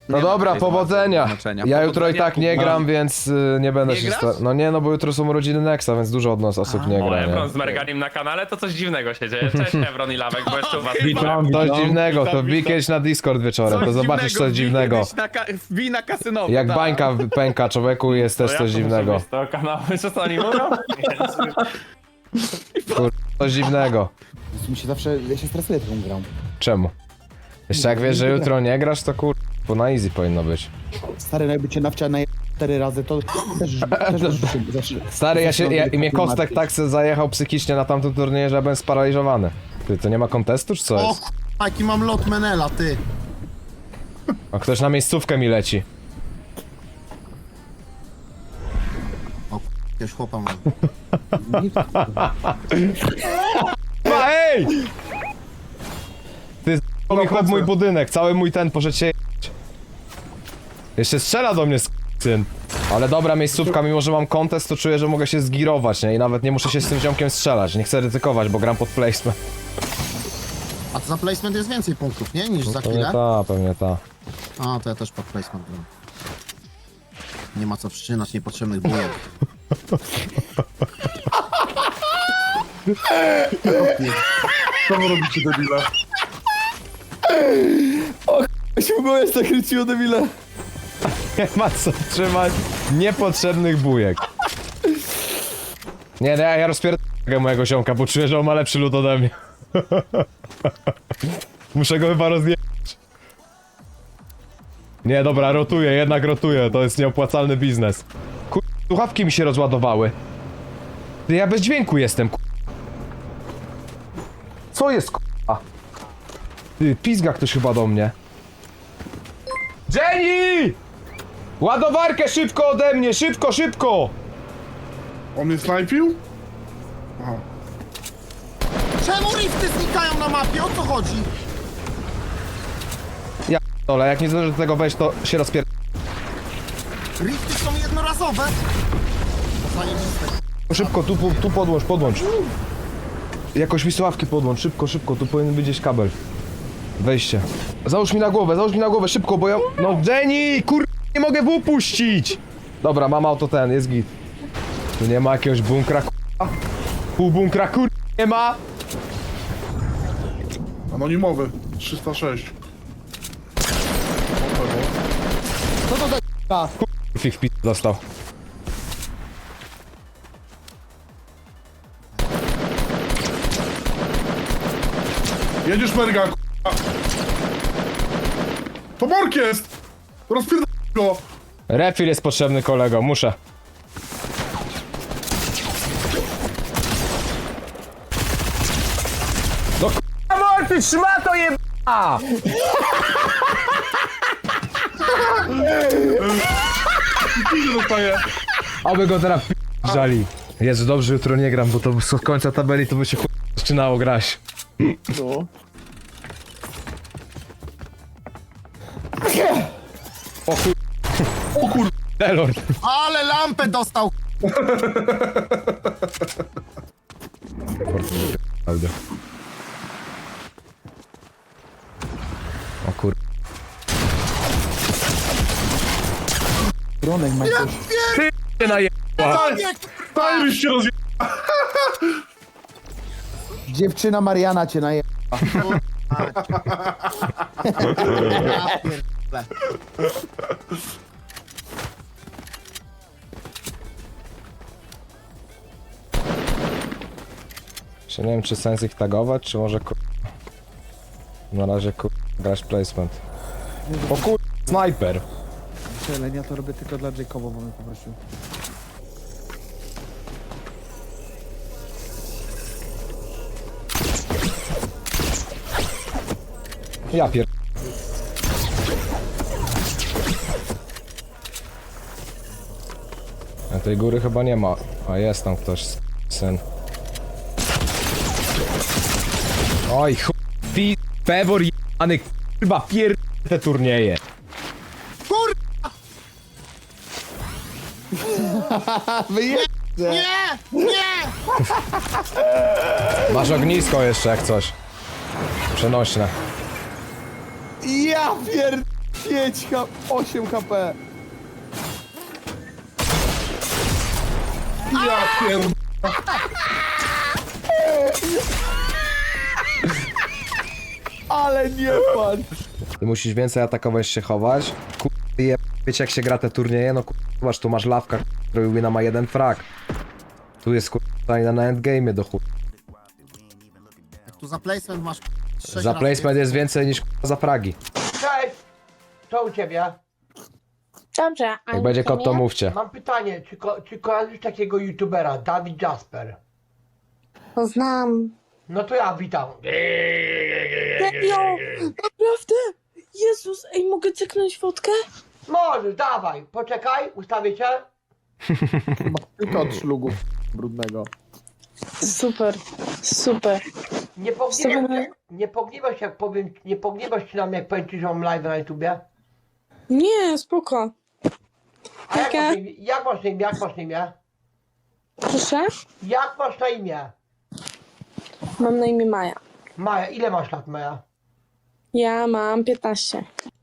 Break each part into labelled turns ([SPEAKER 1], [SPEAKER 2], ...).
[SPEAKER 1] No dobra, powodzenia.
[SPEAKER 2] znaczenia.
[SPEAKER 1] Ja jutro i
[SPEAKER 2] Powodzenia,
[SPEAKER 1] tak nie gram, więc nie będę
[SPEAKER 3] Nie
[SPEAKER 1] się
[SPEAKER 3] grasz?
[SPEAKER 1] No nie, no bo jutro są urodziny Nexa, więc dużo od nas osób nie
[SPEAKER 3] O,
[SPEAKER 1] gra,
[SPEAKER 3] Ebron
[SPEAKER 1] nie?
[SPEAKER 3] z Merganim na kanale, to coś dziwnego się dzieje. Cześć Ebron i Lawek, bo jeszcze u was
[SPEAKER 1] Coś dziwnego, to wbij kiedyś na Discord wieczorem, to zobaczysz coś dziwnego.
[SPEAKER 2] Wbij na kasynowo.
[SPEAKER 1] Jak
[SPEAKER 2] tak.
[SPEAKER 1] bańka pęka człowieku, jest też coś dziwnego.
[SPEAKER 3] Z tego kanału, wiesz co oni mówią?
[SPEAKER 1] Coś dziwnego.
[SPEAKER 4] Mi się zawsze, ja się stresuję tą grą.
[SPEAKER 1] Czemu? Jeszcze jak wiesz, że jutro nie grasz, to bo na easy powinno być.
[SPEAKER 4] Stary, no jakby cię nawcia na 4 razy, to też zawsze...
[SPEAKER 1] Stary, mnie Kostek tak se zajechał psychicznie na tamtym turnieju, że ja byłem sparaliżowany. Ty, to nie ma kontestu, czy co
[SPEAKER 5] O
[SPEAKER 1] jest?
[SPEAKER 5] k***a, jaki mam lot Menela, ty.
[SPEAKER 1] A ktoś na miejscówkę mi leci.
[SPEAKER 5] Jakiegoś chłopa mam.
[SPEAKER 1] Ej! Ty mi chłop mój budynek, cały mój ten poszedł się jebać. Jeszcze strzela do mnie syn. Ale dobra miejscówka, mimo że mam kontest, to czuję, że mogę się zgirować, nie? I nawet nie muszę się z tym ziomkiem strzelać. Nie chcę ryzykować, bo gram pod placement.
[SPEAKER 5] A to za placement jest więcej punktów, nie? Niż za
[SPEAKER 1] Pewnie
[SPEAKER 5] chwilę?
[SPEAKER 1] ta, pewnie ta.
[SPEAKER 5] A, to ja też pod placement gram. Nie ma co przyczynać niepotrzebnych bujek.
[SPEAKER 6] Co wy robicie, debile?
[SPEAKER 1] Śmigłeś tak kryciło debile. Nie ma co trzymać niepotrzebnych bujek. Nie, no ja rozpierdolę mojego ziomka, bo czuję, że on ma lepszy lód ode mnie. Muszę go chyba rozjechać. Nie, dobra, rotuję, jednak rotuję, to jest nieopłacalny biznes. Słuchawki mi się rozładowały. Ty, ja bez dźwięku jestem, Co jest, Ty, pizga ktoś chyba do mnie. Jenny! Ładowarkę szybko ode mnie, szybko, szybko!
[SPEAKER 6] On mnie snajpił? Aha.
[SPEAKER 5] Czemu rifty znikają na mapie? O co chodzi?
[SPEAKER 1] Dole, jak nie zdążę do tego wejść, to się rozpier...
[SPEAKER 5] Rifty są jednorazowe. To zajebiste.
[SPEAKER 1] Szybko, tu podłącz. Jakoś mi słuchawki podłącz, szybko, tu powinien być gdzieś kabel. Wejście. Załóż mi na głowę, szybko, bo ja... No Jenny, nie mogę wypuścić! Dobra, mam auto jest git. Tu nie ma jakiegoś bunkra, Pół bunkra, nie ma!
[SPEAKER 6] Anonimowy. 306.
[SPEAKER 4] Co to za
[SPEAKER 1] Fik w dostał.
[SPEAKER 6] Jedziesz, Merga, k***a. To Bork jest! Rozpierdol go!
[SPEAKER 1] Refill jest potrzebny, kolego, muszę. No k***a, ty trzyma to jeba!
[SPEAKER 6] Idzie dostaje.
[SPEAKER 1] Aby go teraz żali. Jezu, dobrze, jutro nie gram, bo to z końca tabeli to by się zaczynało grać.
[SPEAKER 4] No.
[SPEAKER 6] O kur...
[SPEAKER 1] Delord.
[SPEAKER 5] Ale lampę dostał.
[SPEAKER 1] O kur...
[SPEAKER 4] Bronek ma coś.
[SPEAKER 1] Ty naje...
[SPEAKER 6] Tajryś się rozje...
[SPEAKER 4] Dziewczyna Mariana cię naje...
[SPEAKER 5] Ja pierdolę.
[SPEAKER 1] Jeszcze nie wiem, czy sens ich tagować, czy może Na razie grać placement. O kur... Snajper!
[SPEAKER 4] Ale ja to robię tylko dla Jacoba, bo mnie poprosił.
[SPEAKER 1] Ja pier... A tej góry chyba nie ma. A jest tam ktoś, syn. Oj, Pewor jebany, kurwa, te turnieje.
[SPEAKER 5] Nie! Nie!
[SPEAKER 1] Masz ognisko jeszcze jak coś. Przenośne.
[SPEAKER 4] Ja pier... 8 HP.
[SPEAKER 6] Ja pierd...
[SPEAKER 4] Ale nie pan.
[SPEAKER 1] Ty musisz więcej atakować, się chować. Wiecie jak się gra te turnieje? No zobacz, tu masz lawka, który wina ma 1 frag. Tu jest na endgame'ie do chuj.
[SPEAKER 5] Jak tu za placement masz 6
[SPEAKER 1] Za placement jest więcej niż za fragi.
[SPEAKER 2] Cześć! Co u ciebie?
[SPEAKER 7] Dobrze, a
[SPEAKER 1] Jak będzie kot, to mówcie.
[SPEAKER 2] Mam pytanie, czy kojarzysz takiego youtubera, Dawid Jasper?
[SPEAKER 7] Znam.
[SPEAKER 2] No to ja witam.
[SPEAKER 7] Serio? Naprawdę? Jezus, ej, mogę cyknąć fotkę?
[SPEAKER 2] Możesz, dawaj, poczekaj, ustawię cię.
[SPEAKER 4] Tylko od szlugu brudnego.
[SPEAKER 7] Super, super.
[SPEAKER 2] Nie pogniewasz jak powiem, nie pogniewasz się na mnie jak powiem ci, że mam live na YouTubie?
[SPEAKER 7] Nie, spoko.
[SPEAKER 2] A jak
[SPEAKER 7] Okej.
[SPEAKER 2] masz na imię? Jak masz na imię? Jak masz na imię?
[SPEAKER 7] Proszę?
[SPEAKER 2] Jak masz na imię?
[SPEAKER 7] Mam na imię Maja.
[SPEAKER 2] Maja, ile masz lat, Maja?
[SPEAKER 7] Ja mam 15.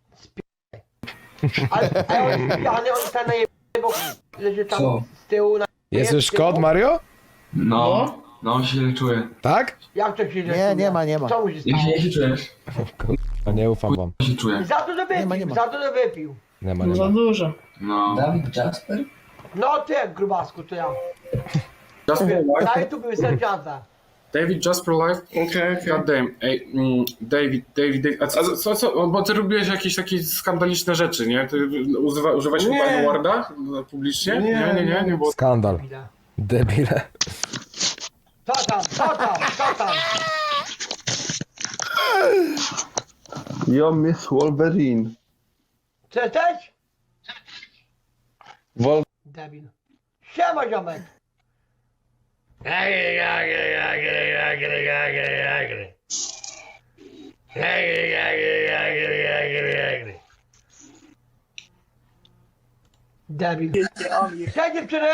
[SPEAKER 2] Ale on jest pijany, on ten bo leży tam z tyłu na...
[SPEAKER 1] Jest już kod, Mario?
[SPEAKER 8] No, no źle czuję.
[SPEAKER 1] Tak?
[SPEAKER 2] Jak to się
[SPEAKER 4] Nie ma, nie ma.
[SPEAKER 2] Co mu się
[SPEAKER 8] Jak
[SPEAKER 2] stało?
[SPEAKER 8] się czujesz?
[SPEAKER 1] No nie ufam wam.
[SPEAKER 8] Jak się czuję?
[SPEAKER 2] Za dużo wypił,
[SPEAKER 4] nie ma.
[SPEAKER 2] za dużo wypił.
[SPEAKER 1] Nie ma, nie ma.
[SPEAKER 7] dużo.
[SPEAKER 8] No.
[SPEAKER 9] Dawid Jasper?
[SPEAKER 2] No ty, grubasku, to ja.
[SPEAKER 8] Jasper Live?
[SPEAKER 2] Na YouTube wystarczające.
[SPEAKER 8] David Jasper Live?
[SPEAKER 6] Okej.
[SPEAKER 8] God damn. Ej, David. A co? Bo ty robiłeś jakieś takie skandaliczne rzeczy, nie? Ty używałeś chyba Warda publicznie? Nie, bo...
[SPEAKER 1] Skandal.
[SPEAKER 2] Ile?
[SPEAKER 1] Debile.
[SPEAKER 2] Co tam?
[SPEAKER 10] Ja Miss Wolverine.
[SPEAKER 2] Co jesteś?
[SPEAKER 10] Wol...
[SPEAKER 2] Debil. Siema, ziomek. Debil. Cześć dziewczyny!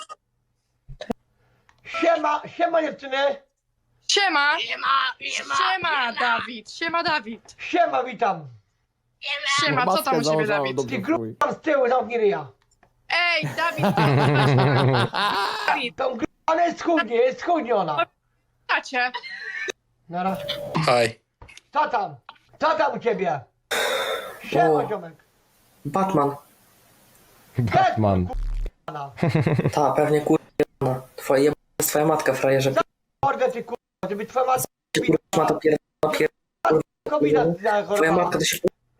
[SPEAKER 2] Siema dziewczyny!
[SPEAKER 11] Siema! Siema, Dawid! Siema, Dawid!
[SPEAKER 2] Siema, witam!
[SPEAKER 11] Siema, co tam u ciebie, Dawid?
[SPEAKER 2] Ty gruby tam z tyłu, zamknij ryja.
[SPEAKER 11] Ej, Dawid! Dawid,
[SPEAKER 2] Tą grubą, ale jest schudnie ona.
[SPEAKER 11] tacie!
[SPEAKER 2] Nara.
[SPEAKER 9] Hi.
[SPEAKER 2] Co tam u ciebie? Siema, ziomek.
[SPEAKER 9] Batman.
[SPEAKER 1] Batman.
[SPEAKER 9] Ta, pewnie kurwa. Twoja matka, frajerze.
[SPEAKER 2] Mordę ty kurwa, żeby twoja matka
[SPEAKER 9] Ma to
[SPEAKER 2] kobieta
[SPEAKER 9] Twoja matka to się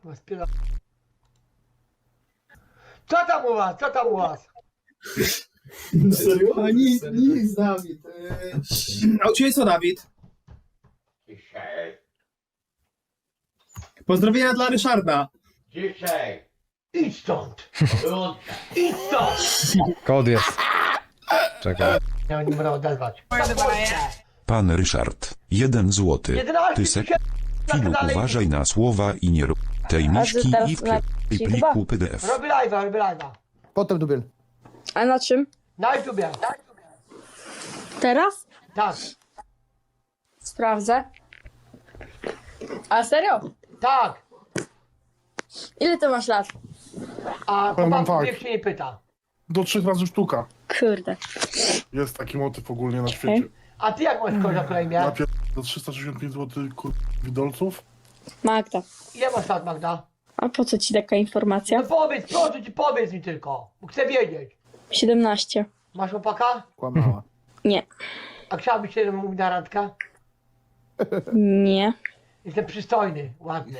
[SPEAKER 2] Co tam u was?
[SPEAKER 4] Serio? Nic, Dawid.
[SPEAKER 12] A u ciebie co, Dawid? Pozdrowienia dla Ryszarda.
[SPEAKER 2] Dzisiaj. Idź stąd. Idź stąd.
[SPEAKER 1] Kod jest. Czekaj.
[SPEAKER 2] Ja nie będę odezwać.
[SPEAKER 13] Pan Ryszard, 1 złoty.
[SPEAKER 2] 11
[SPEAKER 13] Ty se
[SPEAKER 2] tysięcy na
[SPEAKER 13] Filu,
[SPEAKER 2] kanale.
[SPEAKER 13] uważaj na słowa i nie rób tej miśki
[SPEAKER 7] teraz
[SPEAKER 13] i w
[SPEAKER 7] na
[SPEAKER 13] pliku PDF.
[SPEAKER 2] Robię live'a.
[SPEAKER 4] Potem dubiel.
[SPEAKER 7] A na czym?
[SPEAKER 2] Na YouTubie.
[SPEAKER 7] Teraz?
[SPEAKER 2] Tak.
[SPEAKER 7] Sprawdzę. A serio?
[SPEAKER 2] Tak.
[SPEAKER 7] Ile ty masz lat?
[SPEAKER 2] A
[SPEAKER 6] Powiem wam
[SPEAKER 2] chłopaków
[SPEAKER 6] tak.
[SPEAKER 2] niech się nie pyta.
[SPEAKER 6] Do 3 razy sztuka.
[SPEAKER 7] Kurde.
[SPEAKER 6] Jest taki motyw ogólnie na świecie.
[SPEAKER 2] A ty jak masz kozioł na imię?
[SPEAKER 6] Najpierw do 365 zł widolców.
[SPEAKER 7] Magda.
[SPEAKER 2] Ile masz lat, Magda?
[SPEAKER 7] A po co ci taka informacja?
[SPEAKER 2] No powiedz, proszę ci, powiedz mi tylko. Bo chcę wiedzieć.
[SPEAKER 7] 17.
[SPEAKER 2] Masz chłopaka?
[SPEAKER 4] Kłamała.
[SPEAKER 7] Nie.
[SPEAKER 2] A chciałbyś się mówić na randkę?
[SPEAKER 7] Nie.
[SPEAKER 2] Jestem przystojny, ładny.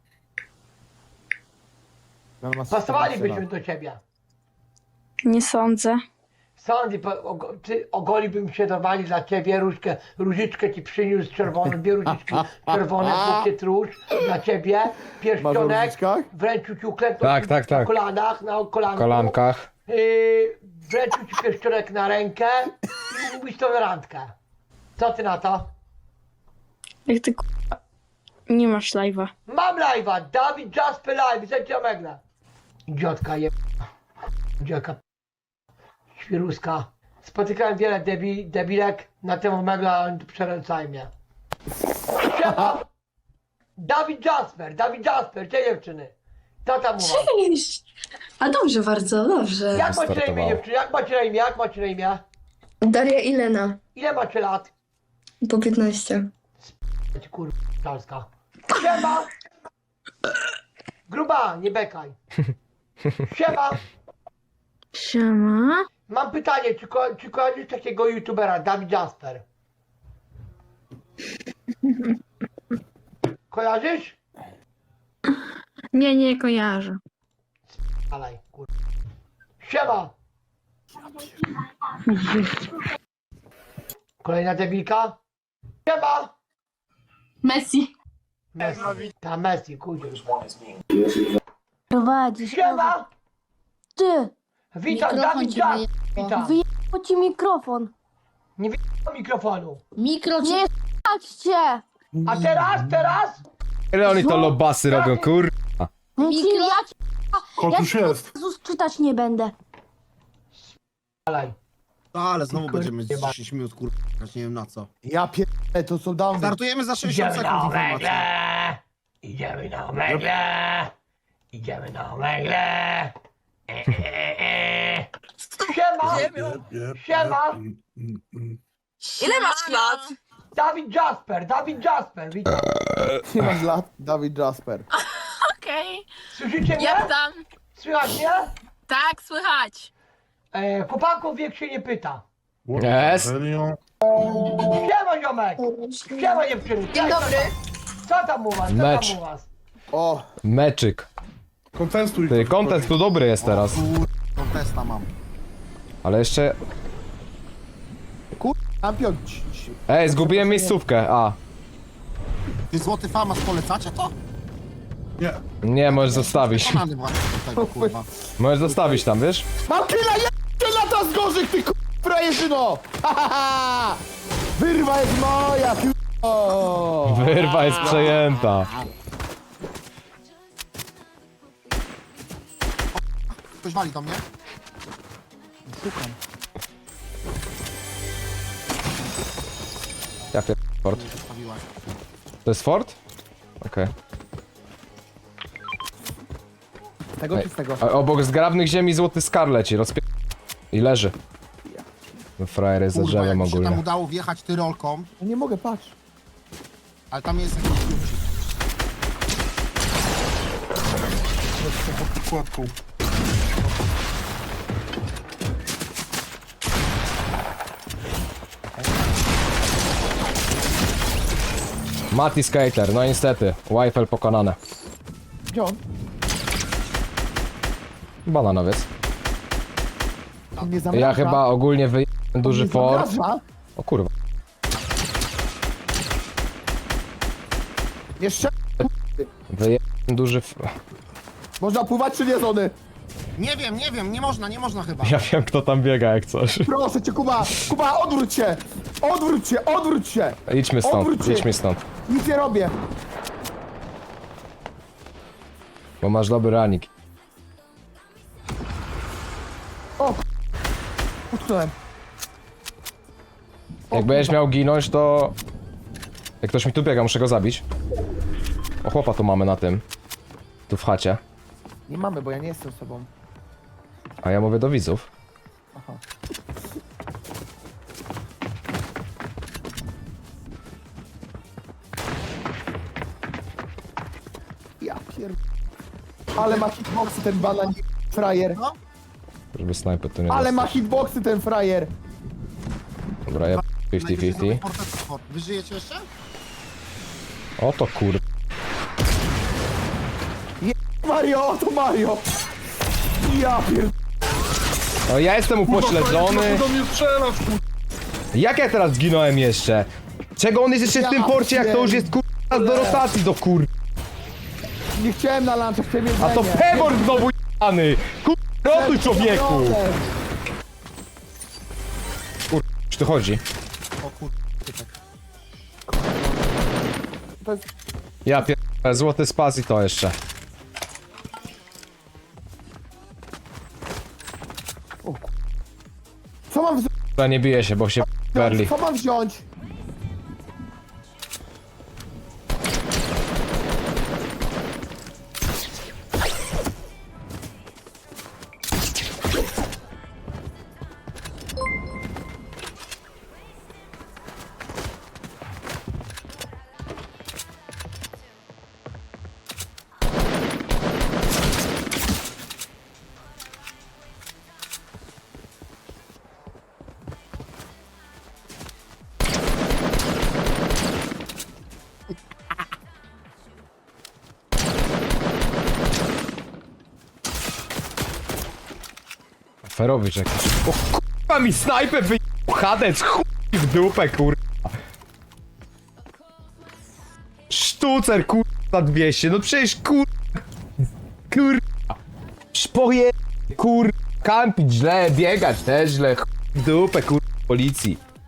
[SPEAKER 4] Ona ma
[SPEAKER 2] Pasowalibyśmy
[SPEAKER 4] 14
[SPEAKER 2] do ciebie.
[SPEAKER 7] Nie sądzę.
[SPEAKER 2] Sądy, ty ogolibym się dawali dla ciebie różyczkę ci przyniósł czerwoną, 2 różyczki czerwone, bukiet róż dla ciebie,
[SPEAKER 4] Masz w
[SPEAKER 2] pierścionek,
[SPEAKER 4] różyczkach?
[SPEAKER 2] wręczył ci uklęknął
[SPEAKER 1] Tak, tak, tak.
[SPEAKER 2] na kolanach, na kolanku,
[SPEAKER 1] Kolankach.
[SPEAKER 2] Wręczył ci pierścionek na rękę i mówisz to na randkę. Co ty na to?
[SPEAKER 7] Jak ty kurwa nie masz live'a.
[SPEAKER 2] Mam live'a, Dawid Jasper Live, zęcia megle. Idiotka je... Idiotka świruska. Spotykałem wiele debilek na temat megla, ale przeręcaj mnie. Siema! Dawid Jasper, cześć dziewczyny. Co tam u was?
[SPEAKER 7] Cześć! A dobrze, bardzo dobrze.
[SPEAKER 2] Jak macie na imię,
[SPEAKER 1] Startowało.
[SPEAKER 2] dziewczyny? Jak macie na imię? Jak macie na imię?
[SPEAKER 7] Daria i Lena.
[SPEAKER 2] Ile macie lat?
[SPEAKER 7] Po 15.
[SPEAKER 2] Kurwa, dalska. Siema! Gruba, nie bekaj. Siema!
[SPEAKER 7] Siema.
[SPEAKER 2] Mam pytanie, czy kojarzysz takiego youtubera, Dawid Jasper? Kojarzysz?
[SPEAKER 7] Nie kojarzę.
[SPEAKER 2] Alej, kurwa. Siema! Kolejna debilka? Siema!
[SPEAKER 11] Messi.
[SPEAKER 2] Messi. Ta Messi, kurwa.
[SPEAKER 7] Prowadzisz.
[SPEAKER 2] Siema!
[SPEAKER 7] Ty!
[SPEAKER 2] Witam,
[SPEAKER 7] Mikrofon
[SPEAKER 2] Dawid
[SPEAKER 7] ci
[SPEAKER 2] Jasper! Witam!
[SPEAKER 7] Wyjechał ci mikrofon.
[SPEAKER 2] Nie wyjechał mikrofonu.
[SPEAKER 7] Nie s***cie!
[SPEAKER 2] A teraz?
[SPEAKER 1] Ile oni to lobasy robią, kur...
[SPEAKER 7] Ja
[SPEAKER 6] Kot już jest.
[SPEAKER 7] Jezus czytać nie będę.
[SPEAKER 2] Alej.
[SPEAKER 5] No, ale znowu będziemy 10 minut, kurwa, nie wiem na co.
[SPEAKER 4] Ja pierdolę, to są downy.
[SPEAKER 5] Startujemy za 60
[SPEAKER 2] Idziemy na
[SPEAKER 5] sekund informacji.
[SPEAKER 2] omegle! Idziemy na omegle! Idziemy na omegle! Siema! Siema!
[SPEAKER 11] Ile masz lat?
[SPEAKER 2] Dawid Jasper, witam.
[SPEAKER 4] Nie masz lat? Dawid Jasper.
[SPEAKER 11] Okej.
[SPEAKER 2] Słyszycie mnie?
[SPEAKER 11] Jak tam?
[SPEAKER 2] Słychać mnie?
[SPEAKER 11] Tak, słychać.
[SPEAKER 2] Chłopaków wiek się nie pyta.
[SPEAKER 1] Jest.
[SPEAKER 2] Siema ziomek! Siema dziewczyny!
[SPEAKER 11] Dzień dobry.
[SPEAKER 2] Co tam u was?
[SPEAKER 1] Mecz.
[SPEAKER 4] O,
[SPEAKER 1] Meczyk.
[SPEAKER 6] Kontestuj.
[SPEAKER 1] Ty, content tu dobry jest teraz.
[SPEAKER 5] Kontesta mam.
[SPEAKER 1] Ale jeszcze...
[SPEAKER 4] champion.
[SPEAKER 1] Ej, zgubiłem miejscówkę, a.
[SPEAKER 5] Ty złoty famas polecacie to?
[SPEAKER 6] Nie.
[SPEAKER 1] Nie, możesz zostawić.
[SPEAKER 5] Przekonany właśnie do tego, kurwa.
[SPEAKER 1] Możesz zostawić tam, wiesz?
[SPEAKER 4] Mam killa, lata z gorzych, ty frajerzyno! Wyrwa jest moja, k***o!
[SPEAKER 1] Wyrwa jest przejęta.
[SPEAKER 5] Ktoś wali do mnie?
[SPEAKER 4] Szukam.
[SPEAKER 1] Ja pier... Fort.
[SPEAKER 5] Zostawiłaś.
[SPEAKER 1] To jest fort? Okej.
[SPEAKER 4] Tego czy z tego?
[SPEAKER 1] A obok zgrabnych ziemi złoty skar leci, i leży. No frajer jest za
[SPEAKER 5] Kurwa,
[SPEAKER 1] drzewem
[SPEAKER 5] jak mi się tam
[SPEAKER 1] ogólnie.
[SPEAKER 5] udało wjechać tyrolką,
[SPEAKER 4] No nie mogę, patrz.
[SPEAKER 5] ale tam jest jakiś kluczyk.
[SPEAKER 6] Kładką.
[SPEAKER 1] Mati Skater, no niestety. Wifel pokonane.
[SPEAKER 4] Gdzie on?
[SPEAKER 1] Bananowiec.
[SPEAKER 4] On mnie zamraża.
[SPEAKER 1] Ja chyba ogólnie duży
[SPEAKER 4] On mnie
[SPEAKER 1] fort.
[SPEAKER 4] zamraża.
[SPEAKER 1] O kurwa.
[SPEAKER 4] Jeszcze
[SPEAKER 1] Duży
[SPEAKER 4] można pływać czy nie, Zony?
[SPEAKER 5] Nie wiem, nie można chyba.
[SPEAKER 1] Ja wiem kto tam biega jak coś.
[SPEAKER 4] Proszę cię, Kuba! Kuba, odwróć się! Odwróć się, odwróć się!
[SPEAKER 1] Idźmy stąd,
[SPEAKER 4] Odwróć się.
[SPEAKER 1] idźmy stąd.
[SPEAKER 4] Nic nie robię.
[SPEAKER 1] Bo masz dobry ranik.
[SPEAKER 4] Utknąłem.
[SPEAKER 1] Jak będziesz miał ginąć, to... Jak ktoś mi tu biega, muszę go zabić. O, chłopa tu mamy na tym. Tu w chacie.
[SPEAKER 4] Nie mamy, bo ja nie jestem sobą.
[SPEAKER 1] A ja mówię do widzów.
[SPEAKER 4] Aha. Ja pier... Ale ma hitboxy ten banan frajer.
[SPEAKER 1] Żeby snajper tu nie
[SPEAKER 4] Ale
[SPEAKER 1] dostał.
[SPEAKER 4] ma hitboxy ten frajer.
[SPEAKER 1] Dobra, ja 50-50.
[SPEAKER 5] Wy żyjecie jeszcze?
[SPEAKER 1] O to kur...
[SPEAKER 4] Mario, to Mario. Ja pier...
[SPEAKER 1] O, ja jestem upośledzony.
[SPEAKER 6] Do mnie strzelasz,
[SPEAKER 1] Jak ja teraz zginąłem jeszcze? Czego on jest jeszcze w tym porcie, jak to już jest kur... do rotacji do kur...
[SPEAKER 4] Nie chciałem na lunch, chciałem jedzenie.
[SPEAKER 1] A to Pebor znowu jany! Kur... rotuj człowieku! Kur... czy tu chodzi?
[SPEAKER 5] O kur... typek.
[SPEAKER 4] To jest...
[SPEAKER 1] Ja pier... złoty spas i to jeszcze.
[SPEAKER 4] Co mam wziąć?
[SPEAKER 1] Dobra, nie bije się, bo się perli.
[SPEAKER 4] Co mam wziąć?
[SPEAKER 1] Ferowicz jakiś. O kurwa mi snajper wy... Hadec, chuj w dupę kurwa. Sztucer kurwa za 200, no przecież kurwa. Kurwa. Szpoje kurwa. Kampić źle, biegać też źle, chuj w dupę kurwa policji.